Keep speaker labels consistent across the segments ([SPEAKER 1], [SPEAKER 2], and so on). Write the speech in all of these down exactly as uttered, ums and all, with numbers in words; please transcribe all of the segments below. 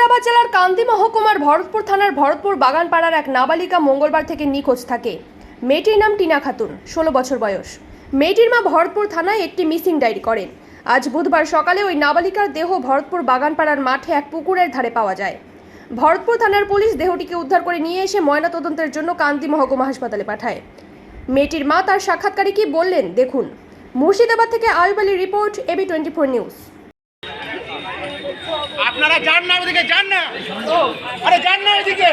[SPEAKER 1] মুর্শিদাবাদ জেলার কান্দি মহকুমার ভরতপুর থানার ভরতপুর বাগানপাড়ার এক নাবালিকা মঙ্গলবার থেকে নিখোঁজ থাকে। মেয়েটির নাম টিনা খাতুন, ষোলো বছর বয়স। মেয়েটির মা ভরতপুর থানায় একটি মিসিং ডায়েরি করেন। আজ বুধবার সকালে ওই নাবালিকার দেহ ভরতপুর বাগানপাড়ার মাঠে এক পুকুরের ধারে পাওয়া যায়। ভরতপুর থানার পুলিশ দেহটিকে উদ্ধার করে নিয়ে এসে ময়নাতদন্তের জন্য কান্দি মহকুমা হাসপাতালে পাঠায়। মেয়েটির মা তার সাক্ষাৎকারে কি বললেন দেখুন। মুর্শিদাবাদ থেকে আয়ুব আলীর report, AB twenty four news.
[SPEAKER 2] আপনারা যান না ওদিকে, যান না, আরে যান না ওদিকে।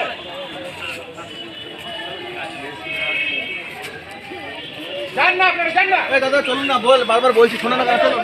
[SPEAKER 2] যান না আপনারা, যান না। এই দাদা চলুন না, বল বারবার বলছি, শোনো না কেন? চলুন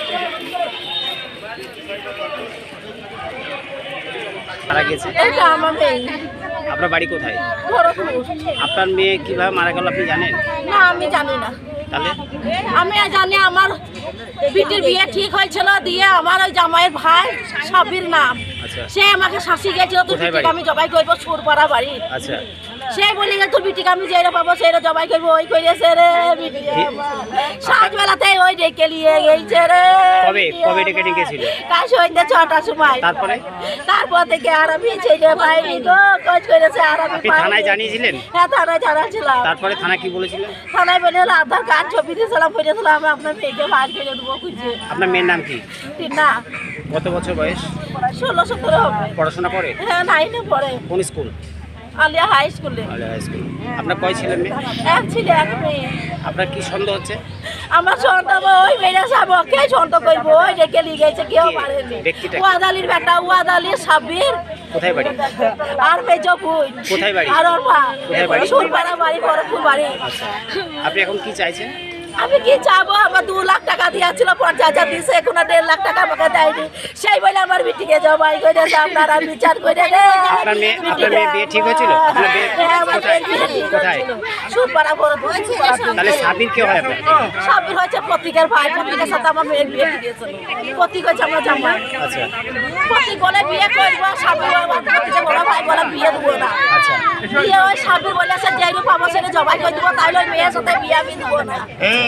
[SPEAKER 3] মারা গেছে।
[SPEAKER 4] এটা আমার মেয়ে।
[SPEAKER 3] আপনার বাড়ি কোথায়?
[SPEAKER 4] ভরতপুর।
[SPEAKER 3] আপনার মেয়ে কিভাবে মারা গেল আপনি জানেন?
[SPEAKER 4] না, আমি জানি না।
[SPEAKER 3] তাহলে
[SPEAKER 4] আমি জানি আমার বিটির বিয়ে ঠিক হয়েছিল, দিয়ে আমার ওই জামাইয়ের ভাই সাবির নাম,
[SPEAKER 3] আচ্ছা
[SPEAKER 4] সে আমাকে শাসি গেছিল, তোর
[SPEAKER 3] কোথায়
[SPEAKER 4] বিটিকে
[SPEAKER 3] বাড়ি?
[SPEAKER 4] আমি জবাই করবো সুরপাড়া বাড়ি।
[SPEAKER 3] আচ্ছা
[SPEAKER 4] সে বলে গেছে তোর বিটিকে আমি যেটা পাবো সেটা জবাই করবো, ওই করেছে রে বিটি আমার। সাতবেলাতে ওই ডেকে নিয়ে গেছে রে।
[SPEAKER 3] কবে
[SPEAKER 4] বিটি
[SPEAKER 3] কবে
[SPEAKER 4] আমার।
[SPEAKER 3] ডেকে নিয়ে গেছিল?
[SPEAKER 4] কাল সন্ধ্যে ছটার সময়।
[SPEAKER 3] তারপরে
[SPEAKER 4] তারপর থেকে আর আমি ছেলে পাইনি গো, খোঁজ করেছে আর আমি
[SPEAKER 3] আপনি
[SPEAKER 4] পাইনি।
[SPEAKER 3] থানায় জানিয়েছিলেন?
[SPEAKER 4] হ্যাঁ, থানায় জানাচ্ছিলাম।
[SPEAKER 3] তারপরে থানা কি বলেছিল?
[SPEAKER 4] থানায় বলে হলো আধার কার্ড ছবি দিয়েছিলাম, বলেছিলাম আপনার মেয়েকে বার করে দেবো খুঁজে।
[SPEAKER 3] আপনার মেয়ের নাম কি?
[SPEAKER 4] না,
[SPEAKER 3] কত বছর বয়স?
[SPEAKER 4] ষোলো সতেরো হবে।
[SPEAKER 3] পড়াশোনা করে?
[SPEAKER 4] হ্যাঁ, নাইনে পড়ে,
[SPEAKER 3] কোন স্কুল?
[SPEAKER 4] আলিয়া হাই স্কুলে।
[SPEAKER 3] Aliya high school. আপনার কয় ছেলে মেয়ে?
[SPEAKER 4] এক ছেলে এক মেয়ে।
[SPEAKER 3] আপনার কি সন্দেহ হচ্ছে?
[SPEAKER 4] আমার সন্তান ওই মেয়েরা সব কে সন্তান করবো, ওই ডেকে নিয়ে গেছে, কেউ
[SPEAKER 3] কে?
[SPEAKER 4] পারেনি।
[SPEAKER 3] ব্যক্তিটা কে?
[SPEAKER 4] ওয়াদালির বেটা, ওয়াদালির সাব্বির।
[SPEAKER 3] কোথায় বাড়ি?
[SPEAKER 4] আর মেজো বোন।
[SPEAKER 3] কোথায় বাড়ি?
[SPEAKER 4] আর ওর মা।
[SPEAKER 3] কোথায় বাড়ি?
[SPEAKER 4] সুরপাড়া বাড়ি, ভরতপুর বাড়ি।
[SPEAKER 3] আপনি এখন কি চাইছেন?
[SPEAKER 4] আমি কি চাবো, আমার দু লাখ টাকা দিয়েছিল, পঞ্চাশ হাজার দিয়েছে, এখন আর দেড় লাখ টাকা আমাকে দেয়নি। সেই বলে আমার বিটিকে জবাই করে আপনারা বিচার করে রে।
[SPEAKER 3] আপনার মেয়ে আপনার মেয়ে বিয়ে ঠিক হয়েছিল? আপনার মেয়ে
[SPEAKER 4] হ্যাঁ, আমার
[SPEAKER 3] কোথায়
[SPEAKER 4] বিয়ে ঠিক
[SPEAKER 3] কোথায়?
[SPEAKER 4] হয়েছিল। সুরপাড়া ভরতপুর, সুরপাড়া।
[SPEAKER 3] তাহলে সাবির কে হয় আপনার?
[SPEAKER 4] সাবির হয়েছে প্রতীকের ভাই, প্রতীকের সাথে আমার মেয়ের বিয়ে ঠিক হয়েছিল। প্রতীক হয়েছে আমার জামাই।
[SPEAKER 3] আচ্ছা
[SPEAKER 4] প্রতীক বলে বিয়ে করবো, সাবির আমার প্রতীকের বড় ভাই বলে বিয়ে দেবো না।
[SPEAKER 3] আচ্ছা
[SPEAKER 4] বিয়ে ওই সাবির বলেছে যেই রূপ আমার সাথে জবাই করে দেবো, তাইলে ওই মেয়ের সাথে বিয়ে আমি দেবো না।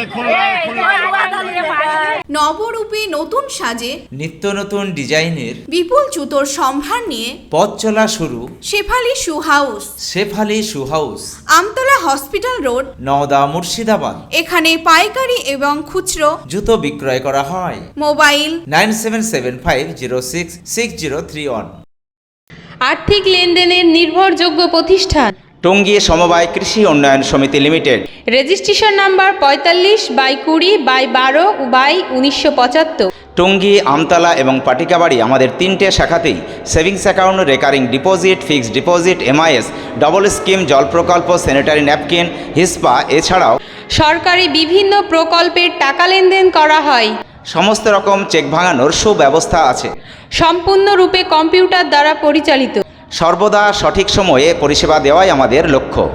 [SPEAKER 5] নবরূপে নতুন সাজে
[SPEAKER 6] নিত্য নতুন ডিজাইনের
[SPEAKER 5] বিপুল জুতোর সম্ভার নিয়ে
[SPEAKER 6] পথ চলা শুরু
[SPEAKER 5] Shefali shoe house,
[SPEAKER 6] Shefali shoe house,
[SPEAKER 5] Amtala hospital road,
[SPEAKER 6] Nowda, Murshidabad.
[SPEAKER 5] এখানে পাইকারি এবং খুচরো
[SPEAKER 6] জুতো বিক্রয় করা হয়।
[SPEAKER 5] Mobile
[SPEAKER 6] nine seven seven five zero six six zero three one.
[SPEAKER 7] আর্থিক লেনদেনের নির্ভরযোগ্য প্রতিষ্ঠান
[SPEAKER 6] টঙ্গী সমবায় কৃষি উন্নয়ন সমিতি লিমিটেড।
[SPEAKER 7] রেজিস্ট্রেশন নাম্বার পঁয়তাল্লিশ বাই কুড়ি বাই বারো বাই উনিশশো পঁচাত্তর।
[SPEAKER 6] টঙ্গী, আমতলা এবং পাটিকাবাড়ি আমাদের তিনটে শাখাতেই savings account, recurring deposit, fixed deposit, MIS, double scheme, জল প্রকল্প, স্যানিটারি ন্যাপকিন, হিসপা, এছাড়াও
[SPEAKER 7] সরকারি বিভিন্ন প্রকল্পের টাকা লেনদেন করা হয়।
[SPEAKER 6] সমস্ত রকম চেক ভাঙানোর সুব্যবস্থা আছে।
[SPEAKER 7] সম্পূর্ণরূপে কম্পিউটার দ্বারা পরিচালিত।
[SPEAKER 6] সর্বদা সঠিক সময়ে পরিষেবা দেওয়াই আমাদের লক্ষ্য।